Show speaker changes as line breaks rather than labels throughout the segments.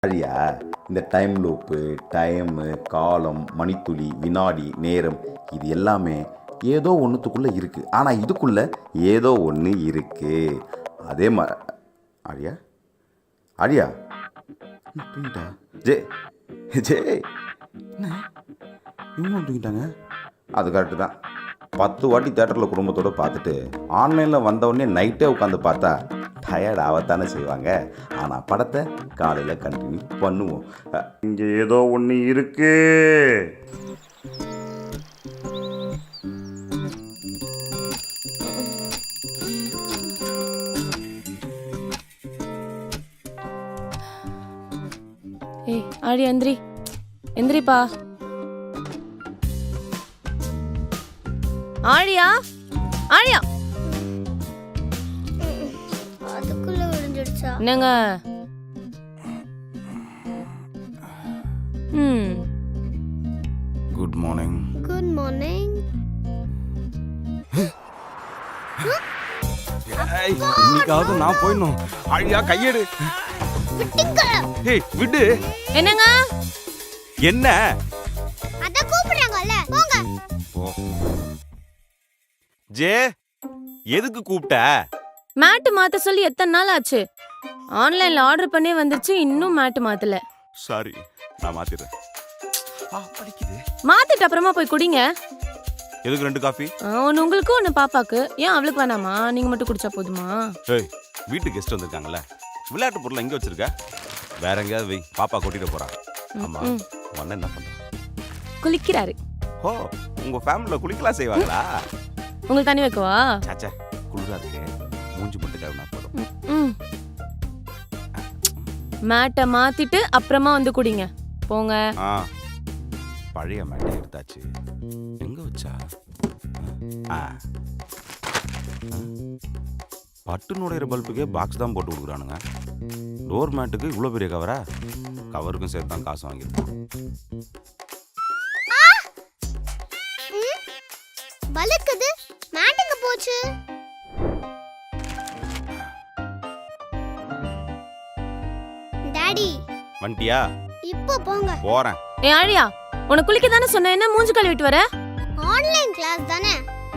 சரியா? இந்த time loop, time, காலம், மணித்துளி, வினாடி, நேரம் இது எல்லாமே ஏதோ ஒன்றுத்துக்குள்ளே இருக்குது. ஆனால் இதுக்குள்ளே ஏதோ ஒன்று இருக்குது. அதே மாதிரி ஆரியா ஆரியா தூங்கிட்டா? ஜே ஜே என்ன இவங்களும் தூங்கிட்டாங்க? அது கரெக்டு தான். 10 வாட்டி தேட்டரில் குடும்பத்தோடு பார்த்துட்டு ஆன்லைனில் வந்தவுடனே நைட்டே உட்காந்து பார்த்தா டயர்ட் ஆகத்தானே செய்வாங்க. ஆனால் படத்தை காலையில் கண்டினியூ பண்ணுவோம். இங்கே ஏதோ ஒன்று இருக்கு.
ஏய் ஆடி எந்திரி எந்திரிப்பா. ஆழியா ஆழியா
அதுக்குள்ள விழுந்துடுச்சா?
என்னங்க?
Good morning.
Good morning.
இன்னைக்காவது நான் போயிடணும். ஆழியா கையெடு. ஏய் விடு.
என்னங்க?
என்ன?
அத கூப்பிடுறாங்கல்ல, போங்க.
போ. ஜே எதுக்கு கூப்பிட்ட?
மேட் மாத்த சொல்லி எத்தனை நாள் ஆச்சு? ஆன்லைன்ல ஆர்டர் பண்ணி வந்துருச்சு, இன்னும் மேட் மாத்தல.
சாரி, நான் மாத்திடுறேன். படிக்குது.
மாத்திட்டு அப்புறமா போய் குடிங்க.
எதுக்கு 2 காஃபி?
ஒன்னு உங்களுக்கு ஒன்னு பாப்பாக்கு. ஏன் அவளுக்கு வேணாமா? நீங்க மட்டும் குடிச்சா போதுமா?
ஏய் வீட்டு கெஸ்ட் வந்திருக்காங்கல்ல, விளையாட்டு பொருள் எங்க வச்சிருக்க? வேற எங்கேயாவது வை, பாப்பா கொட்டிட போறா. ஆமா உன்ன என்ன பண்ற?
குளிக்கிறாரு.
ஓ உங்க ஃபேமிலில குளிக்கலாம் செய்வாங்களா?
உங்களுக்கு தண்ணி வைக்கவா?
சாச்சா குளிரா இருக்கு, மூஞ்சி மட்டும் கழுவினா போதும்.
மேட்டை மாத்திட்டு அப்புறமா வந்து குடிங்க போங்க.
பழைய மேட்டை எடுத்தாச்சு. எங்க வச்சா? பட்டு நுழையிற பல்புக்கே பாக்ஸ் தான் போட்டு கொடுக்குறானுங்க. டோர் மேட்டுக்கு இவ்வளோ பெரிய கவரா? கவருக்கும் சேர்த்து தான் காசு வாங்கியிருக்கோம்.
வழுக்குது. மேட்டுங்க போச்சு. டாடி
வண்டியா?
இப்போ போங்க.
போறேன்.
ஏ ஆழியா, உனக்கு குளிக்க தானே சொன்னேன், என்ன மூஞ்சி கழுவிட்டு வர?
ஆன்லைன் கிளாஸ் தானே.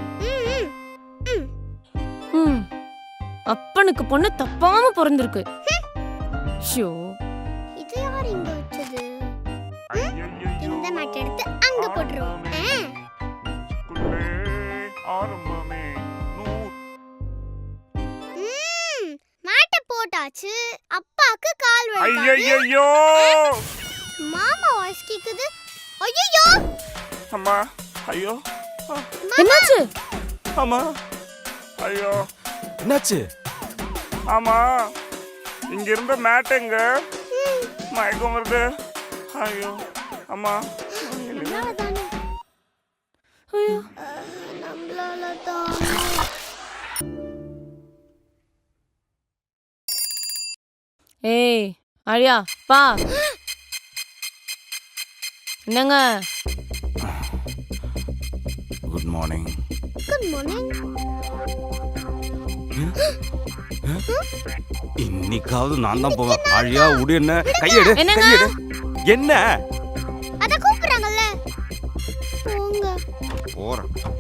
அப்பனுக்கு பொண்ணு தப்பாம பிறந்திருக்கு. ஷோ
இது யார் இங்க வச்சது? இந்த மேட் எடுத்து அங்க போடுறோம். மேட்ட போட்டாச்சு. அப்பாக்கு கால் வலி.
ஐயோ
மாமா வாய்ஸ் கேக்குது. ஐயோ
அம்மா. ஐயோ
என்னாச்சு?
அம்மா. ஐயோ
என்னாச்சு?
ஆமா இங்க இருந்த மேட்டுங்க மயக்கம் வருது. ஐயோ அம்மா.
நம்மளால தான்.
ஏய் ஆழியா பா. என்னங்க?
Good morning.
Good morning.
இன்னைக்காவது நான் தான் போவேன். ஆழியா உடு. என்ன கையெடு.
என்னங்க?
கையெடு. என்ன?
அத கூப்பிடுறாங்கல்ல, போங்க.
போறேன்.